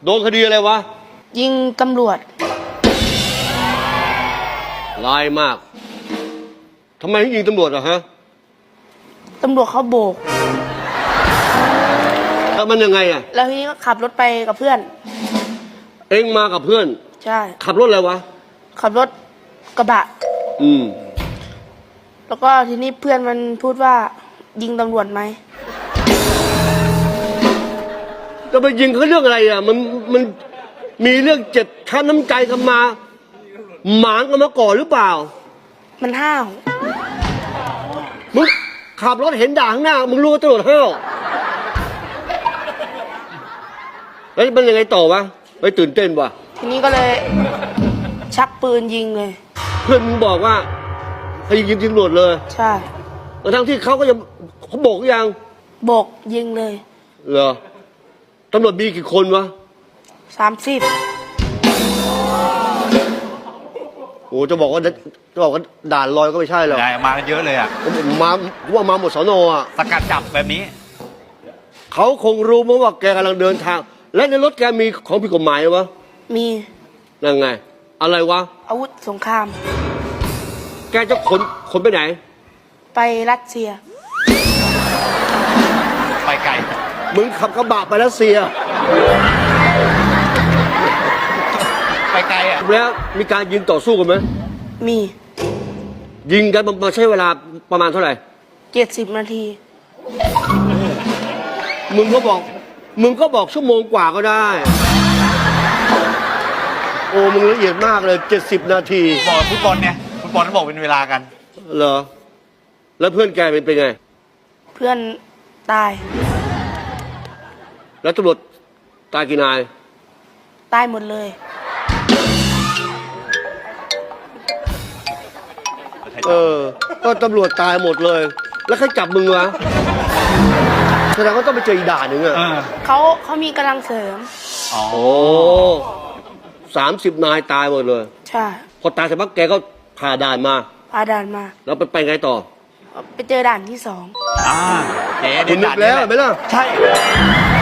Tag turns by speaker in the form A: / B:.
A: โดนคดีอะไรวะ
B: ยิงตำรวจ
A: ร้ายมากทำไมถึงยิงตำรวจอะฮะ
B: ตำรวจเขาโบก
A: แล้วมันยังไงอะ
B: แล้วทีนี้ก็ขับรถไปกับเพื่อน
A: เอ็งมากับเพื่อน
B: ใช่
A: ขับรถอะไรวะ
B: ขับรถกระบะ
A: อืม
B: แล้วก็ทีนี้เพื่อนมันพูดว่ายิงตำรวจไหม
A: จะไปยิงเขาเรื่องอะไรอะมันมีเรื่องเจ็บช้ำน้ำใจกันมาหมางกันมาก่อนหรือเปล่า
B: มันห้าว
A: มึงขับรถเห็นด่าข้างหน้ามึงรู้ว่าตำรวจห้าวแล้วมันยังไงต่อวะไปตื่นเต้นวะ
B: ทีนี้ก็เลยชักปืนยิงเลย
A: เพื่อนมึงบอกว่าให้ยิงตำรวจเลย
B: ใช่
A: ทั้งที่เขาก็ยังเขาบอกยัง
B: โบกยิงเลย
A: เหรอตำรวจมีกี่คนวะ
B: 30
A: โอ้จะบอกว่าด่านลอยก็ไม่ใช่หรอก
C: ได้มากันเยอะเลยอ่ะ
A: ว่ามาหมดสนอ่ะ
C: สกัดจับแบบนี้
A: เขาคงรู้มั้งว่าแกกำลังเดินทาง และในรถแกมีของผิดกฎหมายวะ
B: มี
A: นั่นไง อะไรวะ
B: อาวุธสงคราม
A: แกจะขนไปไหน
B: ไปรัสเซีย
C: ไปไกล
A: มึงขับกระบะไปรัสเซีย
C: ไปไกลอ่ะ
A: แล้วมีการยิงต่อสู้กันไหม
B: มี
A: ยิงกันมาใช้เวลาประมาณเท่าไหร่
B: 70 นาที
A: มึงก็บอกชั่วโมงกว่าก็ได้ โอ้มึงละเอียดมากเลย70 นาที
C: บอกฟุตบอลเนี่ยฟุตบอลต้องบอกเป็นเวลากัน
A: เหรอ แล้วเพื่อนแกเป็นไง
B: เพื่อนตาย
A: แล้วตำรวจตายกี่นาย
B: ตายหมดเลย
A: ก็ตำรวจตายหมดเลย แล้วใครจับมึงวะ แสดงว่าต้องไปเจออีกด่านหนึ่งอะ
B: เขามีกำลังเสริม
C: อ๋อ
A: โอ้30 นายตายหมดเลย
B: ใช่
A: พอตายเสร็จปั๊บแกก็ผ่าด่านมา
B: พาด่านมา
A: แล้วไปไงต่อ
B: ไปเจอด่านที่ 2
C: อ่าเจ๊
A: คุณนึกแล้วเห็นไหมล่ะ
C: ใช่